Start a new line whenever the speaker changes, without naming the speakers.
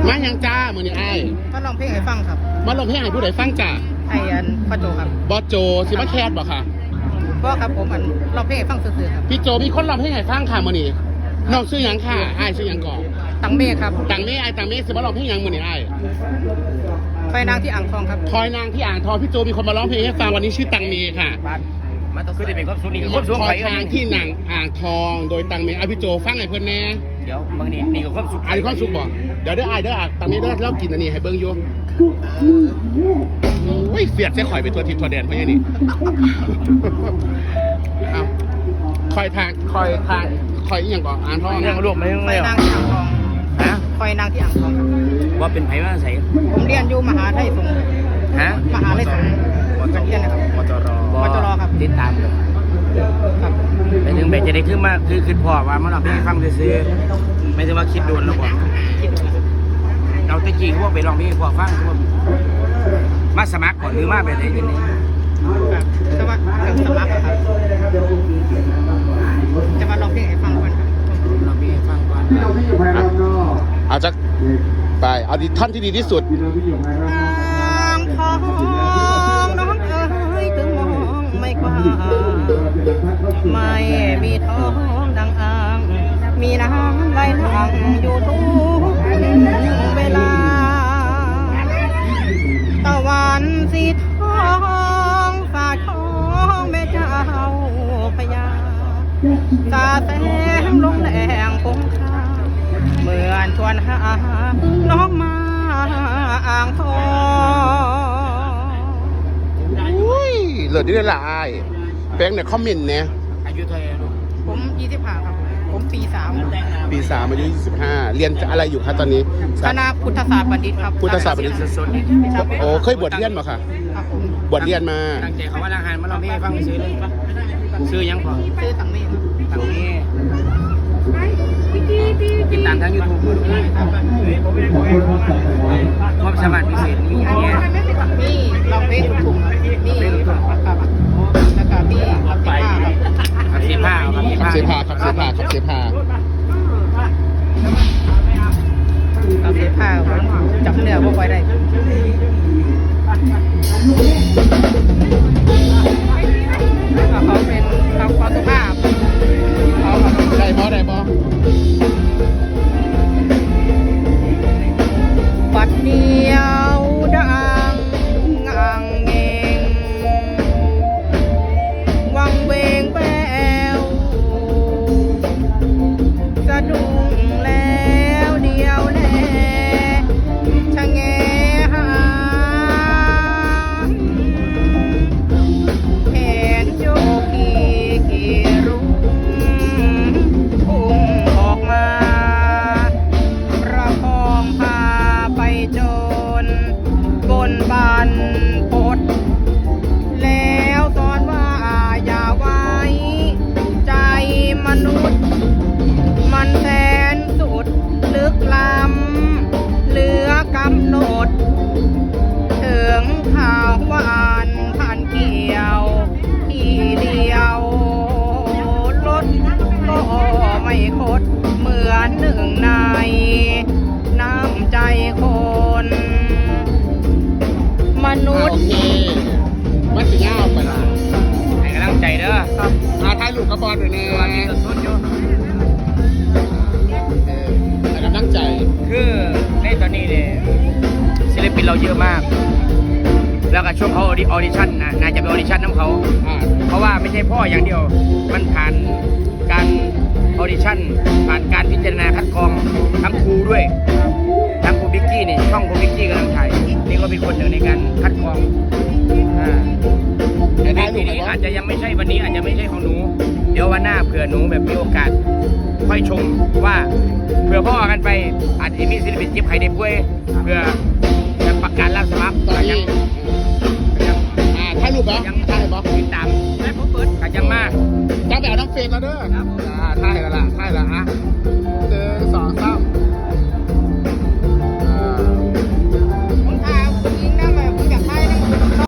มายังจ้ามือนี่ไอ้
ก็ลองเพลงให้ฟังครับ
มาลงเพลงให้ผู้ใดฟังจ้า
ไอ้พ่อโจครับ
บอสโจสิมาแคสบ่ค่ะ
ก็ครับผมลองเพลงให้ฟังซื่อๆครับ
พี่โจมีคนลองเพลงให้ฟังค่ะมือนี่น้องชื่อยังค่ะไอ้ชื่อยังก่อน
ตังเมฆครับ
ตังเมฆไอ้ตังเมฆสิมาลองเพลงยังมือนี่ไอ้
คอยนางที่อ่างทองครับ
คอยนางที่อ่างทองพี่โจมีคนมาร้องเพลงให้ฟังวันนี้ชื่อตังเมฆค่ะ
มันต้องขึ้นได้เป็นความสุขนี่ความสุข
คอยนางที่นางอ่างทองโดยตังเมฆพี่โจฟังให้เพื่อนแน่
เดี๋ยวบางนี่กับความสุข
อันนี้ความสุขบ่เดี๋ยวไอ้ตังเมฆเล่ากินอันนี้ให้เบิ้งอยู่โอ้ยเสียดเสียข่อยไปตัวทิพย์ตัวแดนเพราะอย่างนี้เอาคอยอย่างก่อนอ่างทอง
ยังรวมไม่ยัง
คอยนางที่อ่างทอง
ฮะ
คอยนางที่อ่างทอง
ว่าเป็นไผ่ว่าใส่
ผมเรียนอยู่มหาไทยสงฆ์
ฮะ
มหาลัยสงฆ์เรียนนะครับ
มจรครับติดตามเลย
ครับ
ไปถึงแบบจะได้ขึ้นมาคือพอว่ามันเราไปฟังซื้อไม่ใช่ว่าคิดโดนแล้วก่อนเราตะกี้พวกไปลองเพลงพอฟังพวกมาสมัครก่อนหรือมาแบบไหนยังไง
จะว่าสมัครครับจะมาลองเพลงให้ฟังก่อนครับ
ลองเพลงให้ฟังก่อน
เอาจะไปเอาดิท่อนที่ดีที่สุด
อ่างทองน้องเอ๋ยถึงมองไม่กว้างไม่มีท้องดังอ่างมีน้ำไหลหลั่งอยู่ทุกเวลาตะวันสีทองฝ่าท้องแม่เจ้าพญาตาแสงลงแหลงคงคาเหมือนชวนหาน้องมาอ่างทอง
อุ้ยเหลือได้ละไอ้แป้งเนี่ยคอมเมนต์เนี่ย
อายุเท่าไหร่ลูก
ผม25ครับผมปี3
อายุ25เรียนอะไรอยู่คะตอนนี้
คณะพุทธศาสตร์บัณฑิตครับ
พุทธศาสตร์บัณฑิต
สด
โอ้เคยบวชเรียนมาค่ะบวชเรียนมา
ตั้งใจเขาว่าทหารมาลองเพลงให้ฟังซื้อเลยซื้อยังพอ
ซื้อตังเมฆ
ตังเมฆติดตามทาง YouTube ความสามารถพิเศษมีอย่างเงี้ย
นี่เราเพลงถูกนี่ครับแล้วก็มี
ขับเสพา
จับเนื้อพวกไว้ได้เขาเป็นความสุภาพ
ได้บอ
ปัดเดียวดังงังเงงวังเวงแววสะดุ้งแล้วเดียวแลชะแงหาแขนโยกีรุ้งพุ่งออกมาประคองพาไปจนบนบานพดแล้วตอนว่าอย่าไว้ใจมนุษย์มันแสนสุดลึกล้ำเหลือกำหนดถึงข่าวหวานผ่านเกี่ยวที่เดียวรถก็ไม่คดเหมือนหนึ่งในน้ำใจคนมนุษย์
มันสิง่าไปละ
ให้กำลังใจเด้อ
ครับถ่ายรูปกับบอลด้วยเนี่ย
มีสดอยู่
ให้กำลังใจ
คือในตอนนี้เนี่ยศิลปินเราเยอะมากแล้วก็ช่วงเขาออดิชั่นน่าจะเป็นออดิชั่นน้ำเขาเพราะว่าไม่ใช่พ่ออย่างเดียวมันผ่านการออดิชั่นผ่านการพิจารณาคัดกรองทั้งครูด้วยทั้งครูบิ๊กกี้นี่ช่องครูบิ๊กกี้กำลังถ่ายนี่ก็เป็นคนหนึ่งในการคัดกรองในปีนี้อาจจะยังไม่ใช่วันนี้อาจจะไม่ใช่ของหนูเดี๋ยววันหน้าเผื่อหนูแบบมีโอกาสค่อยชมว่าเผื่อพ่อกันไปอาจจะมีศิลปินเจ็บไข้ได้ป่วยเพื่อจะประกาศรับสมัคร
ตอนนี้ถ่ายรูปเหรอ
ยัง
ถ่ายบอ
ติดตาม